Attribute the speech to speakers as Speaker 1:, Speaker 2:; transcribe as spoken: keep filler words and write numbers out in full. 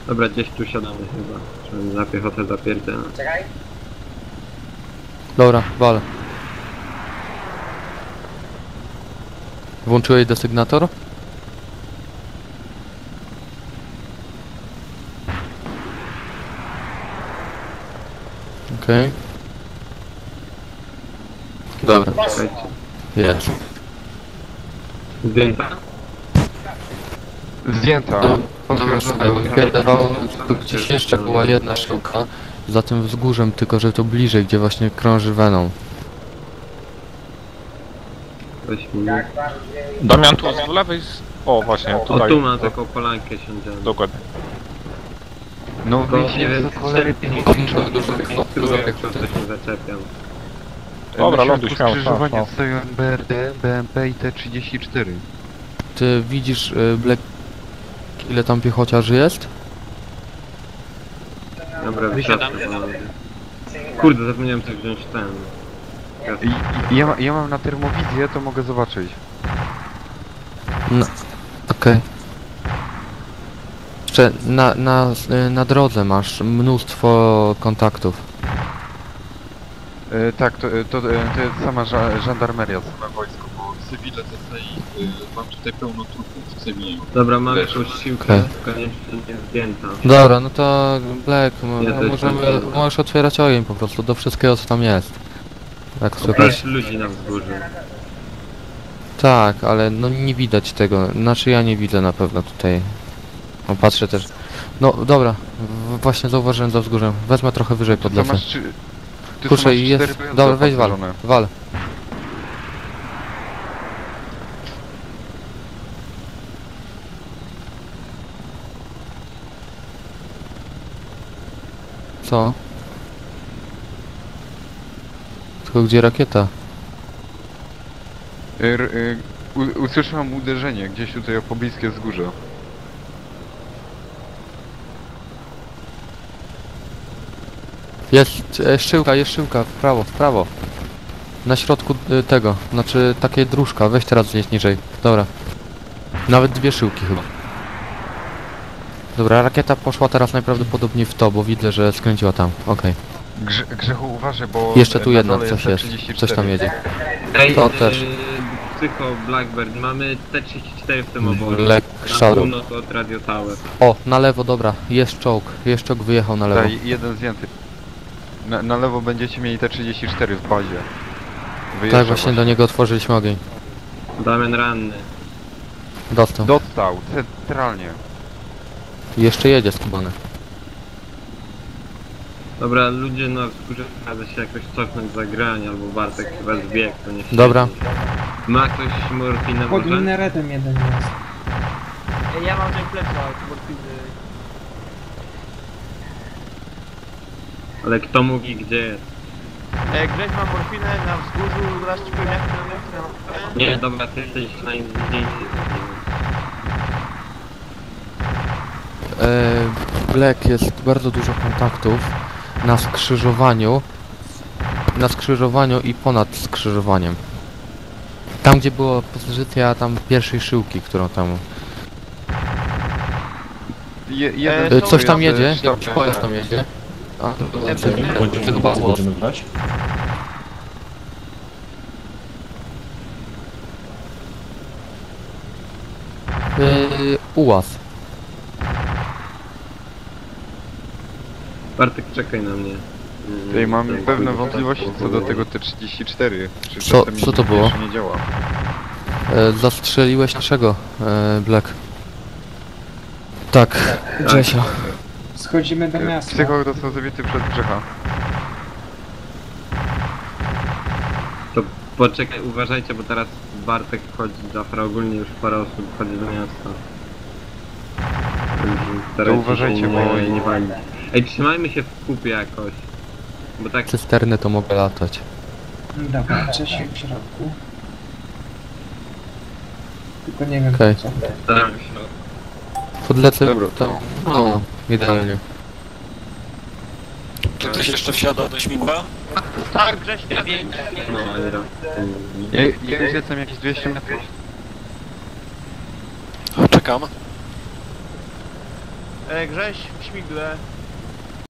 Speaker 1: Dobra, gdzieś tu siadamy chyba. Trzeba na piechotę zapierdzielę.
Speaker 2: Czekaj.
Speaker 3: Dobra, wal. Włączyłeś desygnator? Okej. Okay. Dobra,
Speaker 1: Czekajcie.
Speaker 3: jest.
Speaker 1: Zdjęta?
Speaker 4: Zdjęta.
Speaker 3: Dawało, tu gdzieś jeszcze była jedna sztuka za tym wzgórzem, tylko że to bliżej, gdzie właśnie krąży Venom.
Speaker 1: Weź mi.
Speaker 2: Jak bardziej...
Speaker 4: Damian, tu z lewej... Z... O, właśnie,
Speaker 1: O,
Speaker 4: tutaj.
Speaker 1: tu mam taką polankę siądziemy.
Speaker 4: Dokładnie.
Speaker 5: No
Speaker 1: Tylko
Speaker 5: wyjście
Speaker 1: nie wiem,
Speaker 5: za cholery
Speaker 1: Spróbuję, jak to coś nie zaczepiam.
Speaker 4: Dobra,
Speaker 5: na
Speaker 4: ląduj,
Speaker 5: środku
Speaker 4: śmiało,
Speaker 5: skrzyżowania
Speaker 4: śmiało,
Speaker 5: stoją B R D, B M P i T trzydzieści cztery.
Speaker 3: Ty widzisz, y, Black, ile tam piechociarzy jest?
Speaker 1: Dobra, wysiadam. Kurde, zapomniałem coś wziąć ten.
Speaker 5: I, i ja, ma, ja mam na termowizję, to mogę zobaczyć.
Speaker 3: No, okej. Okay. Jeszcze na, na, y, na drodze masz mnóstwo kontaktów.
Speaker 5: E, tak, to, to, to jest sama ża żandarmeria, same wojsko, bo cywile to tutaj, y, mam tutaj pełno trupów w cywilu.
Speaker 1: Dobra, mam jakąś siłkę,
Speaker 3: Okay.
Speaker 1: koniecznie nie zdjęta.
Speaker 3: Dobra, no to Black, m-
Speaker 1: Ja też
Speaker 3: możemy,
Speaker 1: tak.
Speaker 3: możesz otwierać ogień po prostu do wszystkiego co tam jest. Jak słychać.
Speaker 1: Pięć ludzi na wzgórzu.
Speaker 3: Tak, ale no nie widać tego, znaczy ja nie widzę na pewno tutaj. No patrzę też. No dobra, w, właśnie zauważyłem za wzgórzem. Wezmę trochę wyżej
Speaker 5: To
Speaker 3: podlecę.
Speaker 5: masz trzy... Ty
Speaker 3: Kurczę,
Speaker 5: masz
Speaker 3: jest.
Speaker 5: cztery pojazdy
Speaker 3: Dobra, weź wal.
Speaker 5: opancerzone.
Speaker 3: Wal. Co? Tylko gdzie rakieta?
Speaker 5: R, y, u, usłyszałem uderzenie gdzieś tutaj o pobliskie wzgórze.
Speaker 3: Jest e, szyłka, jest szyłka, w prawo, w prawo. Na środku y, tego, znaczy takie dróżka, weź teraz zjeść niżej. Dobra. Nawet dwie szyłki chyba. Dobra, rakieta poszła teraz najprawdopodobniej w to, bo widzę, że skręciła tam. Okej.
Speaker 5: Grze, Grzechu uważaj, bo...
Speaker 3: Jeszcze tu
Speaker 5: na
Speaker 3: jedna,
Speaker 5: dole
Speaker 3: coś
Speaker 5: T
Speaker 3: jest.
Speaker 5: trzydzieści cztery.
Speaker 3: Coś tam jedzie.
Speaker 1: Ej,
Speaker 3: To
Speaker 1: yy,
Speaker 3: też.
Speaker 1: Psycho Blackbird, mamy T trzydzieści cztery w tym obozie.
Speaker 3: Black
Speaker 1: Na
Speaker 3: Shadow.
Speaker 1: północ od Radio Tower.
Speaker 3: O, na lewo, dobra, jest czołg. Jest czołg, wyjechał na lewo.
Speaker 5: Daj, jeden zdjęty. Na, na lewo będziecie mieli T trzydzieści cztery w bazie. Wyjeżdża
Speaker 3: Tak, właśnie do niego otworzyliśmy ogień.
Speaker 1: Damian ranny.
Speaker 3: Dostał.
Speaker 5: Dostał, centralnie.
Speaker 3: Jeszcze jedzie skubany.
Speaker 1: Dobra, ludzie na wzgórzu każe się jakoś cofnąć za grań, albo Bartek chyba zbiegł, to nie
Speaker 3: Dobra.
Speaker 1: Ma ktoś morfinę
Speaker 6: Pod
Speaker 1: może?
Speaker 6: minaretem jeden jest.
Speaker 2: Ja mam ten plecak, morfiny.
Speaker 1: Ale kto mówi gdzie jest?
Speaker 2: E, Grześ ma morfinę na wzgórzu, raz ci powiem jak to
Speaker 1: Nie, dobra, ty jesteś na innej.
Speaker 3: E, Black, jest bardzo dużo kontaktów na skrzyżowaniu. Na skrzyżowaniu i ponad skrzyżowaniem. Tam gdzie była pozycja tam pierwszej szyłki, którą tam...
Speaker 5: Je, jeden
Speaker 3: E, coś tam
Speaker 5: jest,
Speaker 3: jedzie,
Speaker 5: sztab-
Speaker 3: jakiś pojazd tam jedzie. A, to
Speaker 7: Będziemy,
Speaker 3: tego bardzo.
Speaker 7: będziemy grać?
Speaker 3: Yy, ułaz.
Speaker 1: Bartek, czekaj na mnie.
Speaker 5: Tutaj mam
Speaker 1: Ten
Speaker 5: pewne
Speaker 1: chuj,
Speaker 5: wątpliwości
Speaker 1: tak,
Speaker 5: co do
Speaker 1: bo-
Speaker 5: tego T trzydzieści cztery. Czy
Speaker 3: Co-
Speaker 5: czasem
Speaker 3: co to było?
Speaker 5: jeszcze nie działa.
Speaker 3: E, zastrzeliłeś naszego, e, Black. Tak, Grzesia.
Speaker 6: Schodzimy do
Speaker 5: E,
Speaker 6: miasta.
Speaker 5: Psycho został zabity przez Grzecha.
Speaker 1: To poczekaj, uważajcie, bo teraz Bartek wchodzi, Zafra ogólnie już parę osób wchodzi do miasta. Starajcie
Speaker 5: uważajcie,
Speaker 1: się
Speaker 5: bo-
Speaker 1: nie, nie walić. Ej, trzymajmy się w kupie jakoś. Bo tak
Speaker 3: Cysterny to mogę latać.
Speaker 6: Dobra, Czesiu w środku. Tylko nie wiem
Speaker 3: Okej.
Speaker 6: co.
Speaker 1: staram się.
Speaker 3: Podlecę
Speaker 5: Dobra.
Speaker 3: tam. No, idealnie.
Speaker 8: Czy ktoś jeszcze wsiada do śmigła?
Speaker 2: Tak, Grześ, ja wiem.
Speaker 1: No, ale raz.
Speaker 5: Ja, ja już jestem jakieś dwieście metrów.
Speaker 8: Czekam.
Speaker 2: E, Grześ w śmigle.